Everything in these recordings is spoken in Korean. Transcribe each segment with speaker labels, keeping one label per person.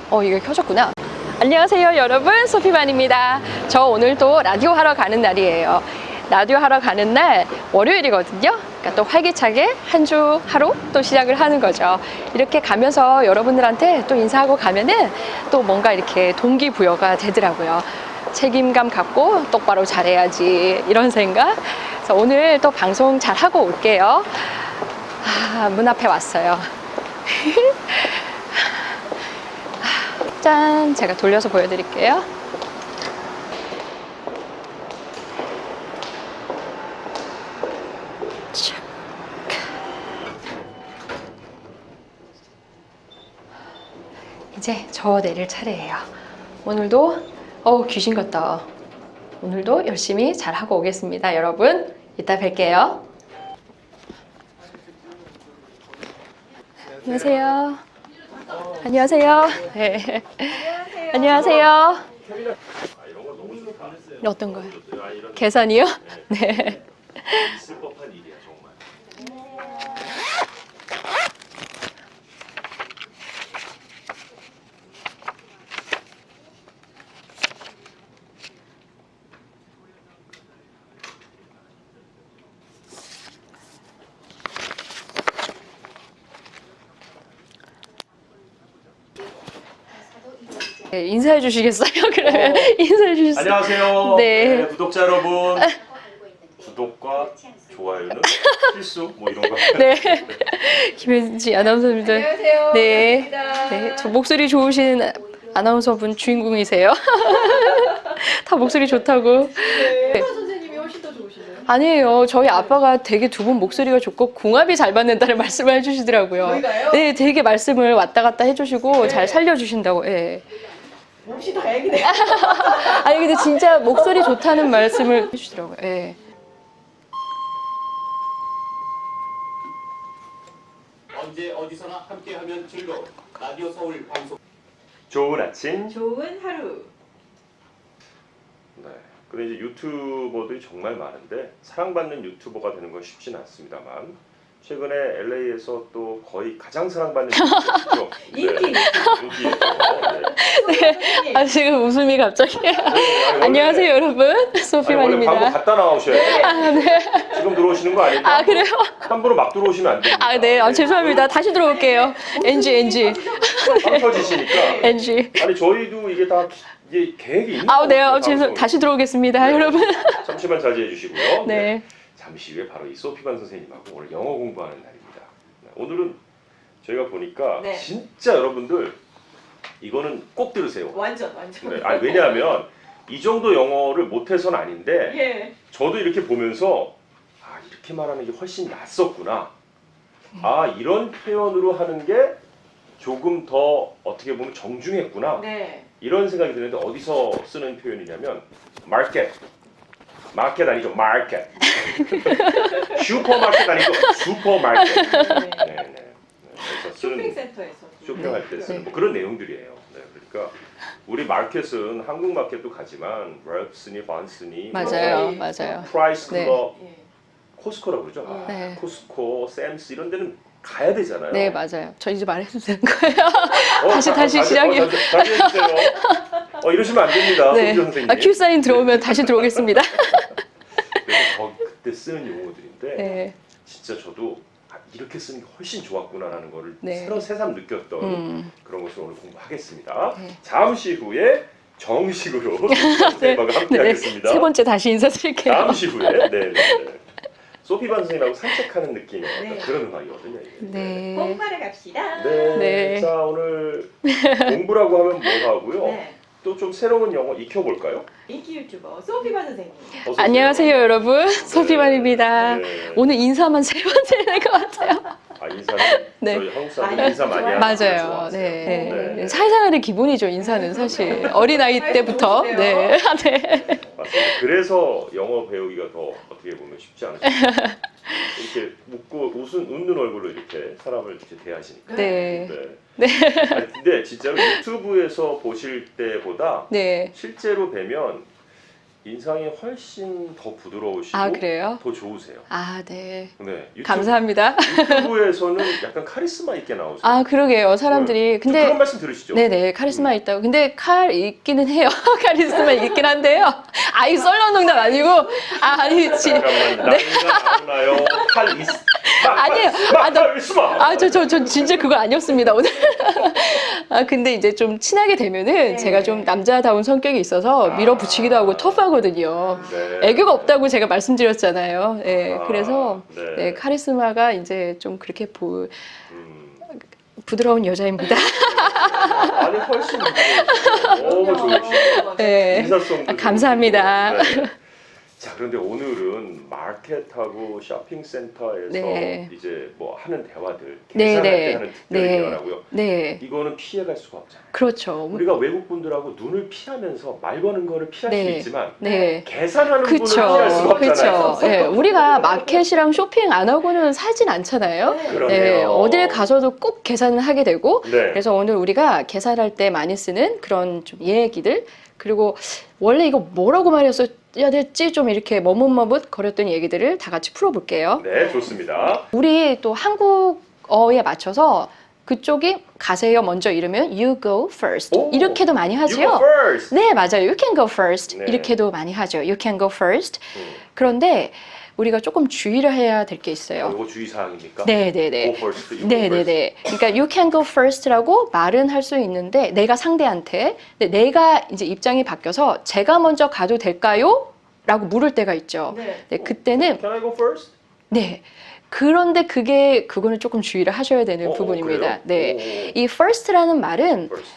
Speaker 1: 이게 켜졌구나. 안녕하세요 여러분, 소피반입니다. 저 오늘 또 라디오 하러 가는 날이에요. 라디오 하러 가는 날 월요일이거든요. 그러니까 또 활기차게 한 주 하루 또 시작을 하는 거죠. 이렇게 가면서 여러분들한테 또 인사하고 가면은 또 뭔가 이렇게 동기부여가 되더라고요. 책임감 갖고 똑바로 잘해야지 이런 생각. 그래서 오늘 또 방송 잘 하고 올게요. 문 앞에 왔어요. 짠! 제가 돌려서 보여드릴게요. 이제 저 내릴 차례예요. 오늘도 귀신 같다. 오늘도 열심히 잘 하고 오겠습니다. 여러분, 이따 뵐게요. 안녕하세요. 안녕하세요. 네. 안녕하세요. 어떤 거요? 계산이요? 네.
Speaker 2: 있을 법한 일이야 정말.
Speaker 1: 네, 인사해 주시겠어요? 그러면 인사해 주시겠어요?
Speaker 2: 안녕하세요.
Speaker 1: 네.
Speaker 2: 구독자 여러분. 구독과 좋아요는 필수 뭐 이런 거.
Speaker 1: 네. 김혜지 아나운서입니다.
Speaker 3: 안녕하세요.
Speaker 1: 네.
Speaker 3: 반갑습니다.
Speaker 1: 네. 저 목소리 좋으신 아나운서분 주인공이세요. 다 목소리 좋다고.
Speaker 3: 네. 선생님이 훨씬 더 좋으시네요.
Speaker 1: 아니에요. 저희 아빠가 되게 두 분 목소리가 좋고 궁합이 잘 맞는다는 말씀을 해주시더라고요.
Speaker 3: 저희가요?
Speaker 1: 네, 되게 말씀을 왔다 갔다 해주시고
Speaker 3: 네.
Speaker 1: 잘 살려주신다고. 예.
Speaker 3: 몹시 다행이네요.
Speaker 1: 아니 근데 진짜 목소리 좋다는 말씀을 해주시더라고요. 예.
Speaker 4: 언제 어디서나 함께하면 즐거운 라디오 서울 방송.
Speaker 2: 좋은 아침.
Speaker 3: 좋은 하루.
Speaker 2: 네. 근데 이제 유튜버들이 정말 많은데 사랑받는 유튜버가 되는 건 쉽지는 않습니다만 최근에 LA에서 또 거의 가장 사랑받는 유튜버죠.
Speaker 3: 인기.
Speaker 2: 인기예요. 네.
Speaker 1: 아 지금 웃음이 갑자기. 안녕하세요 여러분,
Speaker 2: 원래 광고
Speaker 1: 소피만입니다.
Speaker 2: 갖다 나오셔야 돼요.
Speaker 1: 아 네.
Speaker 2: 지금 들어오시는 거 아니에요?
Speaker 1: 아 그래요?
Speaker 2: 함부로 막 들어오시면 안 됩니다.
Speaker 1: 아 네. 죄송합니다. 다시 들어올게요. NG.
Speaker 2: 빵 터지시니까.
Speaker 1: NG.
Speaker 2: 아니 저희도 이게 다 이게 계획이 있는
Speaker 1: 네.
Speaker 2: 거거든요,
Speaker 1: 죄송.
Speaker 2: 방송이.
Speaker 1: 다시 들어오겠습니다,
Speaker 2: 네.
Speaker 1: 여러분.
Speaker 2: 잠시만 자제해 주시고요.
Speaker 1: 네.
Speaker 2: 잠시 후에 바로 이 소피반 선생님하고 오늘 영어 공부하는 날입니다. 네, 오늘은 저희가 보니까
Speaker 3: 네.
Speaker 2: 진짜 여러분들 이거는 꼭 들으세요.
Speaker 3: 완전.
Speaker 2: 네, 아니, 왜냐하면 이 정도 영어를 못해서는 아닌데
Speaker 3: 예.
Speaker 2: 저도 이렇게 보면서 이렇게 말하는 게 훨씬 낫었구나. 이런 표현으로 하는 게 조금 더 어떻게 보면 정중했구나.
Speaker 3: 네.
Speaker 2: 이런 생각이 드는데 어디서 쓰는 표현이냐면 마켓. 마켓 아니죠. 마켓. 슈퍼마켓 아니고 슈퍼마켓. 네. 그래서 쓰는
Speaker 3: 쇼핑센터에서.
Speaker 2: 쇼핑할 때 쓰는 뭐 그런 내용들이에요. 네, 그러니까 우리 마켓은 한국 마켓도 가지만 랩스니, 반스니,
Speaker 1: 맞아요.
Speaker 3: 네.
Speaker 1: 맞아요.
Speaker 2: 프라이스
Speaker 1: 네.
Speaker 2: 클럽,
Speaker 3: 예.
Speaker 2: 코스코라고 그러죠.
Speaker 1: 네.
Speaker 2: 코스코, 샘스 이런 데는 가야 되잖아요.
Speaker 1: 네 맞아요. 저 이제 말해도 되는 거예요? 다시 시작이요.
Speaker 2: 다시 해주세요. 이러시면 안 됩니다.
Speaker 1: 네.
Speaker 2: 손지 선생님.
Speaker 1: 큐 사인 들어오면 다시 들어오겠습니다.
Speaker 2: 그래서 그때 쓰는 용어들인데
Speaker 1: 네.
Speaker 2: 진짜 저도 이렇게 쓰는 게 훨씬 좋았구나라는 거를
Speaker 1: 네.
Speaker 2: 새삼 느꼈던 그런 것을 오늘 공부하겠습니다.
Speaker 1: 네.
Speaker 2: 잠시 후에 정식으로 선생님하고 함께 하겠습니다.
Speaker 1: 세 번째 다시 인사드릴게요.
Speaker 2: 잠시 후에 네. 소피반 선생님하고 산책하는 느낌의
Speaker 3: 네.
Speaker 2: 그런 음악이거든요. 이게.
Speaker 1: 네.
Speaker 3: 공부하러 갑시다.
Speaker 2: 네.
Speaker 1: 네.
Speaker 2: 자 오늘 공부라고 하면 뭐 하고요?
Speaker 3: 네.
Speaker 2: 또 좀 새로운 영어 익혀볼까요?
Speaker 3: 인기 유튜버 소피반 선생님.
Speaker 2: 어서 오세요.
Speaker 1: 안녕하세요 여러분, 소피만입니다.
Speaker 2: 네.
Speaker 1: 오늘 인사만 세 번째 되는 것 같아요.
Speaker 2: 인사는
Speaker 1: 네.
Speaker 2: 저희 한국 사람들
Speaker 3: 많이
Speaker 2: 인사 많이
Speaker 3: 좋아요.
Speaker 2: 하는 거
Speaker 1: 맞아요.
Speaker 2: 좋아하세요.
Speaker 1: 네.
Speaker 2: 네.
Speaker 1: 사회생활의 기본이죠 인사는 사실. 어린아이 때부터. 네. 네.
Speaker 2: 맞습니다. 그래서 영어 배우기가 더 어떻게 보면 쉽지 않으십니까? 이렇게 웃는 얼굴로 이렇게 사람을 이렇게 대하시니까.
Speaker 1: 네.
Speaker 2: 네. 아니, 근데 진짜로 유튜브에서 보실 때보다
Speaker 1: 네.
Speaker 2: 실제로 뵈면 인상이 훨씬 더 부드러우시고
Speaker 1: 아, 그래요?
Speaker 2: 더 좋으세요.
Speaker 1: 아, 네.
Speaker 2: 네.
Speaker 1: 감사합니다.
Speaker 2: 유튜브에서는 약간 카리스마 있게 나오세요.
Speaker 1: 아, 그러게요. 사람들이.
Speaker 2: 좀
Speaker 1: 근데
Speaker 2: 그런 말씀 들으시죠?
Speaker 1: 네네, 카리스마 있다고. 근데 칼 있기는 해요. 카리스마 있긴 한데요. 아이, 썰렁 농담 아니고, 아니지.
Speaker 2: 잠깐만, 나이가 나오나요? 칼 있...
Speaker 1: 아니에요. 아, 나-
Speaker 2: 카리스마!
Speaker 1: 저 진짜 그거 아니었습니다, 오늘. 아, 근데 이제 좀 친하게 되면은
Speaker 3: 네.
Speaker 1: 제가 좀 남자다운 성격이 있어서 밀어붙이기도 하고 터프하거든요.
Speaker 2: 네.
Speaker 1: 애교가 없다고 제가 말씀드렸잖아요. 네,
Speaker 2: 아,
Speaker 1: 그래서
Speaker 2: 네.
Speaker 1: 네, 카리스마가 이제 좀 그렇게 부드러운 여자입니다.
Speaker 2: 아니 훨씬 부드러우시고 너무 좋으시고
Speaker 1: 네.
Speaker 2: 인사성도
Speaker 1: 아, 감사합니다.
Speaker 2: 좋으시고. 네. 자, 그런데 오늘은 마켓하고 쇼핑센터에서
Speaker 1: 네.
Speaker 2: 이제 뭐 하는 대화들
Speaker 1: 네,
Speaker 2: 계산할
Speaker 1: 네.
Speaker 2: 때 하는 특별히
Speaker 1: 네.
Speaker 2: 대화라고요.
Speaker 1: 네,
Speaker 2: 이거는 피해갈 수가 없잖아요.
Speaker 1: 그렇죠.
Speaker 2: 우리가 외국 분들하고 눈을 피하면서 말 거는 거를 피할 수
Speaker 1: 네.
Speaker 2: 있지만
Speaker 1: 네.
Speaker 2: 계산하는 분을
Speaker 1: 그쵸,
Speaker 2: 피할 수가 없잖아요.
Speaker 1: 그쵸. 예, 우리가 마켓이랑 쇼핑 안 하고는 살진 않잖아요.
Speaker 2: 그러네요.
Speaker 1: 네, 어딜 가서도 꼭 계산을 하게 되고,
Speaker 2: 네.
Speaker 1: 그래서 오늘 우리가 계산할 때 많이 쓰는 그런 좀 얘기들, 그리고 원래 이거 뭐라고 말했어야 됐지? 좀 이렇게 머뭇머뭇 거렸던 얘기들을 다 같이 풀어볼게요.
Speaker 2: 네, 좋습니다.
Speaker 1: 우리 또 한국어에 맞춰서 그쪽이 가세요 먼저 이러면 you go first
Speaker 2: 오,
Speaker 1: 이렇게도 많이
Speaker 2: You go
Speaker 1: 하지요.
Speaker 2: first.
Speaker 1: 네, 맞아요. You can go first.
Speaker 2: 네.
Speaker 1: 이렇게도 많이 하죠. You can go first.
Speaker 2: 음.
Speaker 1: 그런데 우리가 조금 주의를 해야 될 게 있어요.
Speaker 2: 이거 주의사항입니까?
Speaker 1: 네, 네, 네.
Speaker 2: Go first, you go
Speaker 1: 네, 네,
Speaker 2: first.
Speaker 1: 네. 그러니까 you can go first라고 말은 할 수 있는데 내가 상대한테 근데 내가 이제 입장이 바뀌어서 제가 먼저 가도 될까요? 라고 물을 때가 있죠.
Speaker 3: 네.
Speaker 1: 네, 그때는
Speaker 2: Can I go first?
Speaker 1: 네. 그런데 그거는 조금 주의를 하셔야 되는 부분입니다.
Speaker 2: 그래요?
Speaker 1: 네. 이 first라는 말은
Speaker 2: First.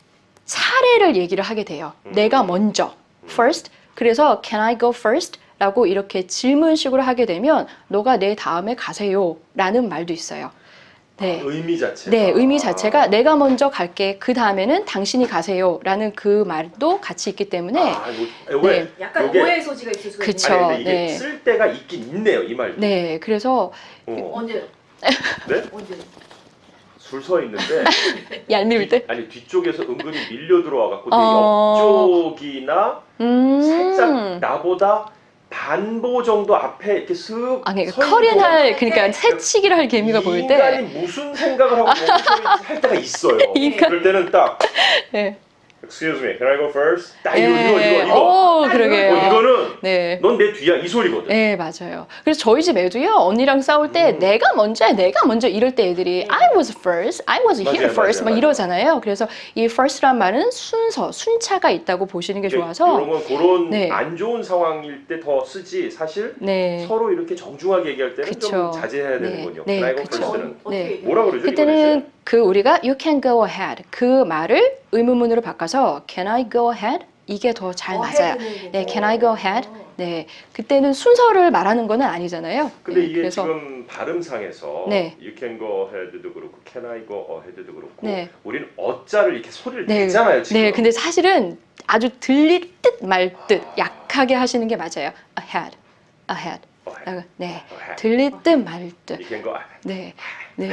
Speaker 1: 차례를 얘기를 하게 돼요. 내가 먼저 first. 그래서 can I go first? 라고 이렇게 질문식으로 하게 되면 너가 내 다음에 가세요 라는 말도 있어요. 네.
Speaker 2: 의미 자체가.
Speaker 1: 네, 의미 자체가 내가 먼저 갈게. 그 다음에는 당신이 가세요 라는 그 말도 같이 있기 때문에
Speaker 2: 왜?
Speaker 1: 네.
Speaker 3: 약간
Speaker 2: 요게-
Speaker 3: 오해의 소지가 있을 수가
Speaker 1: 그쵸.
Speaker 3: 있네요.
Speaker 2: 아니, 근데 이게
Speaker 1: 네.
Speaker 2: 쓸 때가 있긴 있네요, 이 말도.
Speaker 1: 네, 그래서
Speaker 3: 언제?
Speaker 2: 네?
Speaker 3: 언제?
Speaker 2: 줄 서 있는데
Speaker 1: 얄미울 때
Speaker 2: 아니 뒤쪽에서 은근히 밀려 들어와 갖고 내
Speaker 1: 어.
Speaker 2: 옆쪽이나 살짝 나보다 반보 정도 앞에 이렇게 슥
Speaker 1: 아, 그러니까
Speaker 2: 서 있는
Speaker 1: 커린할
Speaker 2: 거.
Speaker 1: 그러니까 새치기를 할 개미가 보일
Speaker 2: 인간이
Speaker 1: 때
Speaker 2: 무슨 생각을 하고 할 때가 있어요.
Speaker 1: 인간.
Speaker 2: 그럴 때는 딱
Speaker 1: 네.
Speaker 2: Excuse me, can I go first? 딱
Speaker 1: 예,
Speaker 2: 이거.
Speaker 1: 오, 그러게요.
Speaker 2: 이거는
Speaker 1: 네.
Speaker 2: 넌 내 뒤야 이 소리거든.
Speaker 1: 네, 맞아요. 그래서 저희 집 애도요, 언니랑 싸울 때 내가 먼저 이럴 때 애들이 I was first, I was here
Speaker 2: 맞아요,
Speaker 1: first 막
Speaker 2: 맞아요.
Speaker 1: 이러잖아요. 그래서 이 first란 말은 순차가 있다고 보시는 게 좋아서
Speaker 2: 이런 건 그런
Speaker 1: 네.
Speaker 2: 안 좋은 상황일 때 더 쓰지 사실
Speaker 1: 네.
Speaker 2: 서로 이렇게 정중하게 얘기할 때는
Speaker 1: 그쵸.
Speaker 2: 좀 자제해야
Speaker 1: 네.
Speaker 2: 되는군요.
Speaker 1: 네,
Speaker 2: Can I go
Speaker 1: 그쵸.
Speaker 2: first는
Speaker 1: 네.
Speaker 2: 뭐라 그러죠?
Speaker 1: 그때는 그 우리가 you can go ahead 그 말을 의문문으로 바꿔서 can I go ahead? 이게 더 잘 맞아요. 네, can I go ahead? 네, 그때는 순서를 말하는 거는 아니잖아요.
Speaker 2: 근데
Speaker 1: 네,
Speaker 2: 이게
Speaker 1: 그래서
Speaker 2: 지금 발음상에서
Speaker 1: 네.
Speaker 2: You can go ahead도 그렇고 Can I go ahead도 그렇고
Speaker 1: 네.
Speaker 2: 우리는 어자를 이렇게 소리를
Speaker 1: 네,
Speaker 2: 내잖아요 지금.
Speaker 1: 네, 근데 사실은 아주 들릴 듯 말 듯 약하게 하시는 게 맞아요. ahead, ahead. 네, 들릴 듯 말 듯.
Speaker 2: You can go
Speaker 1: 네, 네.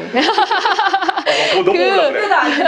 Speaker 2: 너무 올라 그래.
Speaker 3: 그래도 안 돼.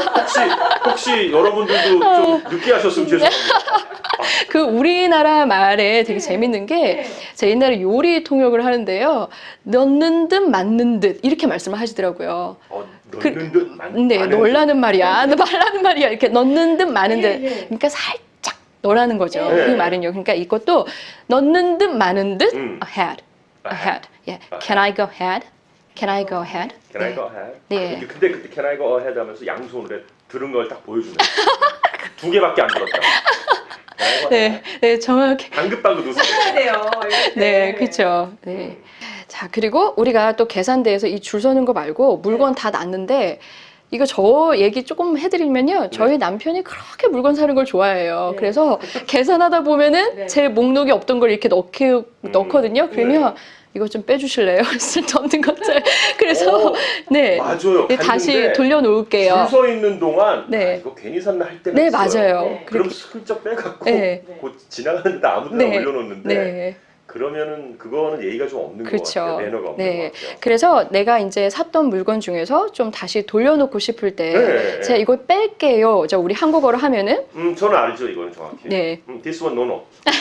Speaker 2: 혹시 여러분들도 좀 늦게 하셨으면 죄송합니다.
Speaker 1: 그 우리나라 말에 되게 재밌는 게
Speaker 3: 네.
Speaker 1: 제 옛날에 요리 통역을 하는데요. 넣는 듯 맞는 듯 이렇게 말씀을 하시더라고요.
Speaker 2: 넣는 듯
Speaker 1: 네,
Speaker 2: 많은
Speaker 1: 넣으라는 말이야. 말라는 말이야. 이렇게 넣는 듯 마는 듯.
Speaker 3: 예, 예.
Speaker 1: 그러니까 살짝 넣으라는 거죠.
Speaker 2: 네.
Speaker 1: 그 말은요. 그러니까 이것도 넣는 듯 마는 듯
Speaker 2: ahead.
Speaker 1: ahead. 예. Can I go ahead? Can I go ahead?
Speaker 2: Can I
Speaker 1: 네.
Speaker 2: go ahead?
Speaker 1: 네.
Speaker 2: 근데 그때 Can I go ahead 하면서 양손으로 들은 걸 딱 보여주네. 두 개밖에 안 들었다. Can I go
Speaker 1: 네,
Speaker 2: ahead?
Speaker 1: 네, 정확히.
Speaker 2: 방긋방긋 웃으세요.
Speaker 3: 해야 돼요.
Speaker 1: 네, 그렇죠. 네. 자, 그리고 우리가 또 계산대에서 이 줄 서는 거 말고 물건 다 놨는데 이거 저 얘기 조금 해드리면요. 저희 남편이 그렇게 물건 사는 걸 좋아해요.
Speaker 3: 네.
Speaker 1: 그래서 계산하다 보면은
Speaker 3: 네.
Speaker 1: 제 목록에 없던 걸 이렇게 넣거든요. 그러면 이거 좀 빼주실래요? 쓸데없는 것들. 그래서
Speaker 2: 오,
Speaker 1: 네,
Speaker 2: 맞아요.
Speaker 1: 네, 다시
Speaker 2: 갔는데
Speaker 1: 돌려놓을게요.
Speaker 2: 줄 서 있는 동안
Speaker 1: 네.
Speaker 2: 아, 이거 괜히 샀나 할 때가
Speaker 1: 네,
Speaker 2: 있어요.
Speaker 1: 맞아요.
Speaker 3: 네.
Speaker 2: 그럼
Speaker 1: 그렇게-
Speaker 2: 슬쩍 빼갖고
Speaker 1: 네.
Speaker 2: 곧 지나가는데 아무 데나
Speaker 1: 네.
Speaker 2: 올려놓는데
Speaker 1: 네.
Speaker 2: 그러면은 그거는 예의가 좀 없는 것
Speaker 1: 그쵸.
Speaker 2: 같아요. 매너가 없는
Speaker 1: 네.
Speaker 2: 것 같아요.
Speaker 1: 그래서 내가 이제 샀던 물건 중에서 좀 다시 돌려놓고 싶을 때
Speaker 2: 네.
Speaker 1: 제가 이걸 뺄게요. 저 우리 한국어로 하면은
Speaker 2: 저는 알죠 이거는 정확히.
Speaker 1: 네.
Speaker 2: This one no no.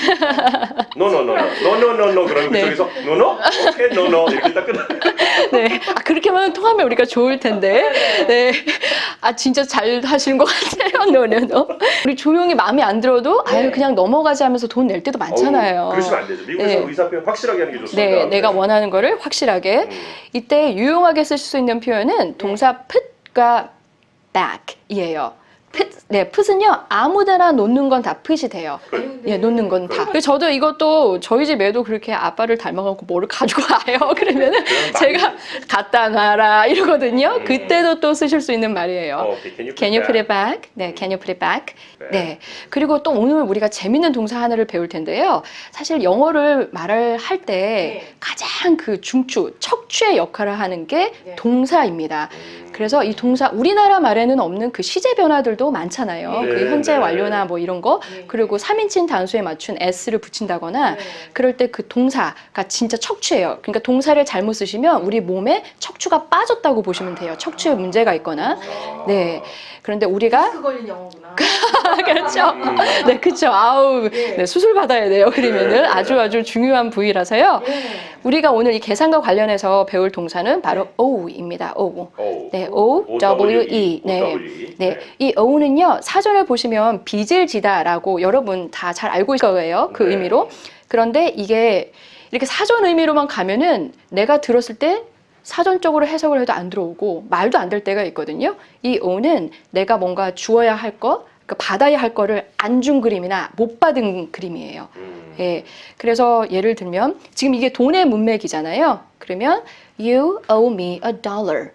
Speaker 2: no no no no no no no no 그러면
Speaker 1: 네.
Speaker 2: 그쪽에서 no no okay no no 이렇게 딱 끝나.
Speaker 1: 네. 아, 그렇게만 통하면 우리가 좋을 텐데. 네. 아, 진짜 잘 하시는 것 같아요. 노노노. 우리 조용히 마음에 안 들어도 아유, 그냥 넘어가지 하면서 돈 낼 때도 많잖아요.
Speaker 2: 그러시면 안 되죠. 미국에서
Speaker 1: 네.
Speaker 2: 의사 표현 확실하게 하는 게 좋습니다.
Speaker 1: 네, 내가 원하는 거를 확실하게. 이때 유용하게 쓸 수 있는 표현은 동사 put과 back이에요. 네, put은요 아무데나 놓는 건 다 put이 돼요. 예, 놓는 건 다. 그래서 저도 이것도 저희 집 애도 그렇게 아빠를 닮아갖고 뭐를 가지고 와요. 그러면은 제가 갖다 놔라 이러거든요. 그때도 또 쓰실 수 있는 말이에요. Can you put it back? 네, can you put it back? 네. 그리고 또 오늘 우리가 재밌는 동사 하나를 배울 텐데요. 사실 영어를 말을 할 때 가장 그 중추, 척추의 역할을 하는 게 동사입니다. 그래서 이 동사, 우리나라 말에는 없는 그 시제 변화들도 많잖아요.
Speaker 2: 네,
Speaker 1: 그 현재
Speaker 2: 네.
Speaker 1: 완료나 뭐 이런 거. 그리고 3인칭 단수에 맞춘 s를 붙인다거나 그럴 때 그 동사가 진짜 척추예요. 그러니까 동사를 잘못 쓰시면 우리 몸에 척추가 빠졌다고 보시면 돼요. 척추에 문제가 있거나. 네. 그런데 우리가
Speaker 3: 그 걸린 영어구나.
Speaker 1: 그렇죠. 네, 그렇죠. 아우, 네, 수술 받아야 돼요. 그러면은 아주 중요한 부위라서요. 우리가 오늘 이 계산과 관련해서 배울 동사는 바로 O입니다. O. 네, O, W, E. 네. 네. 이 O는요, 사전을 보시면 빚을 지다라고 여러분 다 잘 알고 있을 거예요. 그 의미로. 그런데 이게 이렇게 사전 의미로만 가면은 내가 들었을 때 사전적으로 해석을 해도 안 들어오고 말도 안 될 때가 있거든요. 이 O는 내가 뭔가 주어야 할 거, 그러니까 받아야 할 거를 안 준 그림이나 못 받은 그림이에요. 예. 그래서 예를 들면 지금 이게 돈의 문맥이잖아요. 그러면 You owe me $1.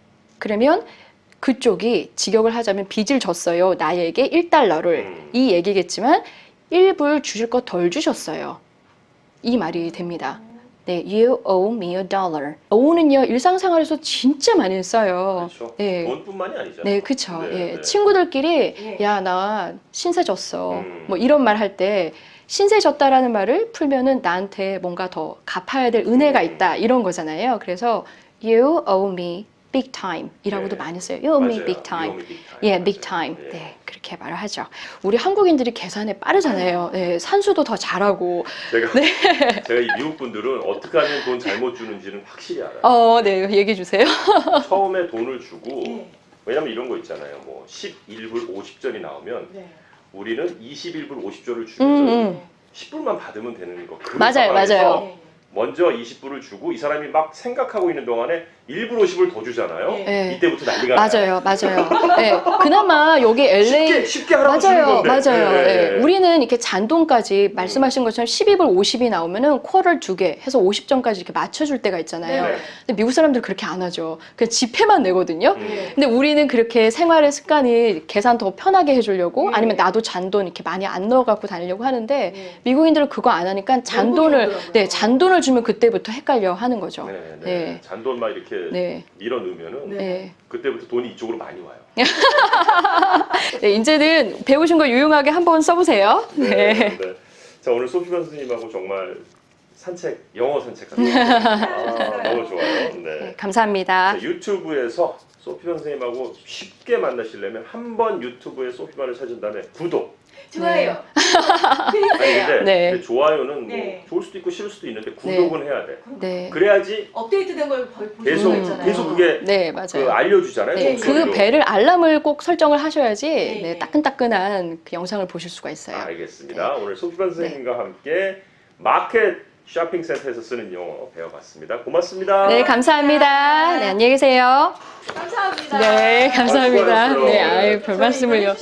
Speaker 1: 그러면 그쪽이 직역을 하자면 빚을 졌어요. 나에게 $1를. 이 얘기겠지만 1불 주실 거 덜 주셨어요. 이 말이 됩니다. 네, you owe me $1. owe는요 일상생활에서 진짜 많이 써요.
Speaker 2: 그렇죠.
Speaker 1: 네.
Speaker 2: 돈뿐만이 아니잖아요.
Speaker 1: 네, 그쵸.
Speaker 2: 네,
Speaker 1: 예.
Speaker 2: 네.
Speaker 1: 친구들끼리 야, 나 신세 졌어. 뭐 이런 말 할 때 신세 졌다라는 말을 풀면은 나한테 뭔가 더 갚아야 될 은혜가 있다 이런 거잖아요. 그래서 you owe me big time 이라고도
Speaker 2: 네.
Speaker 1: 많이 써요. You owe me
Speaker 2: 맞아요.
Speaker 1: big time.
Speaker 2: You owe me big time.
Speaker 1: 예, big
Speaker 2: 맞아요.
Speaker 1: time.
Speaker 2: 예.
Speaker 1: 네, 그렇게 말을 하죠. 우리 한국인들이 계산에 빠르잖아요. 네, 산수도 더 잘하고.
Speaker 2: 제가 이 미국 분들은 어떻게 하면 돈 잘못 주는지는 확실히 알아요.
Speaker 1: 네, 얘기해 주세요.
Speaker 2: 처음에 돈을 주고
Speaker 3: 네.
Speaker 2: 왜냐면 이런 거 있잖아요. 뭐 11불 50전이 나오면
Speaker 3: 네.
Speaker 2: 우리는 21불 50전을 주면서 10불만 받으면 되는 거. 그
Speaker 1: 맞아요,
Speaker 2: 상황에서
Speaker 1: 맞아요.
Speaker 3: 네.
Speaker 2: 먼저 20불을 주고 이 사람이 막 생각하고 있는 동안에 1불 50을 더 주잖아요.
Speaker 3: 네.
Speaker 2: 이때부터 난리가 나요.
Speaker 1: 맞아요. 네, 그나마 여기 LA
Speaker 2: 쉽게 하라고 주는 건데.
Speaker 1: 맞아요.
Speaker 2: 네.
Speaker 1: 네. 우리는 이렇게 잔돈까지 말씀하신 것처럼 12불 50이 나오면은 쿼터를 2개 해서 50점까지 이렇게 맞춰줄 때가 있잖아요.
Speaker 3: 네.
Speaker 1: 근데 미국 사람들 그렇게 안 하죠. 그냥 지폐만 내거든요.
Speaker 3: 네.
Speaker 1: 근데 우리는 그렇게 생활의 습관이 계산 더 편하게 해주려고
Speaker 3: 네.
Speaker 1: 아니면 나도 잔돈 이렇게 많이 안 넣어갖고 다니려고 하는데
Speaker 3: 네.
Speaker 1: 미국인들은 그거 안 하니까 잔돈을 주면 그때부터 헷갈려 하는 거죠. 네.
Speaker 2: 잔돈 막 이렇게
Speaker 1: 네.
Speaker 2: 밀어 넣으면은
Speaker 1: 네.
Speaker 2: 그때부터 돈이 이쪽으로 많이 와요.
Speaker 1: 네, 이제는 배우신 거 유용하게 한번 써보세요. 네.
Speaker 2: 자, 오늘 소피반 선생님하고 정말 영어 산책하는 너무 좋아요.
Speaker 1: 네, 감사합니다.
Speaker 2: 자, 유튜브에서 소피반 선생님하고 쉽게 만나시려면 한번 유튜브에 소피반을 찾은 다음에 구독.
Speaker 3: 좋아요.
Speaker 2: 아니 근데
Speaker 1: 네.
Speaker 2: 근데 좋아요는
Speaker 3: 네.
Speaker 2: 뭐 좋을 수도 있고 싫을 수도 있는데 구독은 해야 돼.
Speaker 1: 네.
Speaker 2: 그래야지
Speaker 3: 업데이트된 걸 보실
Speaker 2: 계속
Speaker 3: 수가 있잖아요.
Speaker 2: 계속 그게
Speaker 1: 네,
Speaker 2: 그
Speaker 1: 맞아요.
Speaker 2: 알려주잖아요.
Speaker 1: 네,
Speaker 2: 목소리로.
Speaker 1: 그 벨을 알람을 꼭 설정을 하셔야지
Speaker 3: 네.
Speaker 1: 네, 따끈따끈한 그 영상을 보실 수가 있어요.
Speaker 2: 알겠습니다. 오늘 소피반 선생님과 함께 마켓 쇼핑센터에서 쓰는 영어 배워봤습니다. 고맙습니다.
Speaker 1: 네, 감사합니다. 네, 안녕히 계세요.
Speaker 3: 감사합니다.
Speaker 1: 네, 감사합니다.
Speaker 2: 수고하셨어요.
Speaker 1: 네, 아유, 별 말씀을요.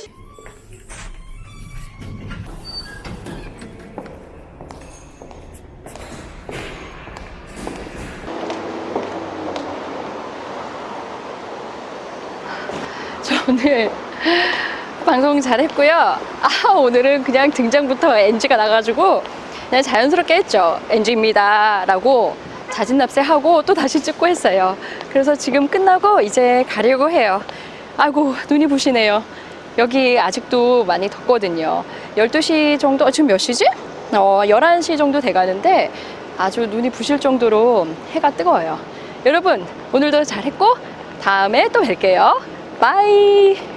Speaker 1: 저 오늘 방송 잘했고요. 오늘은 그냥 등장부터 NG가 나가지고 그냥 자연스럽게 했죠. NG입니다 라고 자진납세하고 또 다시 찍고 했어요. 그래서 지금 끝나고 이제 가려고 해요. 아이고, 눈이 부시네요. 여기 아직도 많이 덥거든요. 12시 정도, 지금 몇 시지? 11시 정도 돼가는데 아주 눈이 부실 정도로 해가 뜨거워요. 여러분, 오늘도 잘했고 다음에 또 뵐게요. 바이.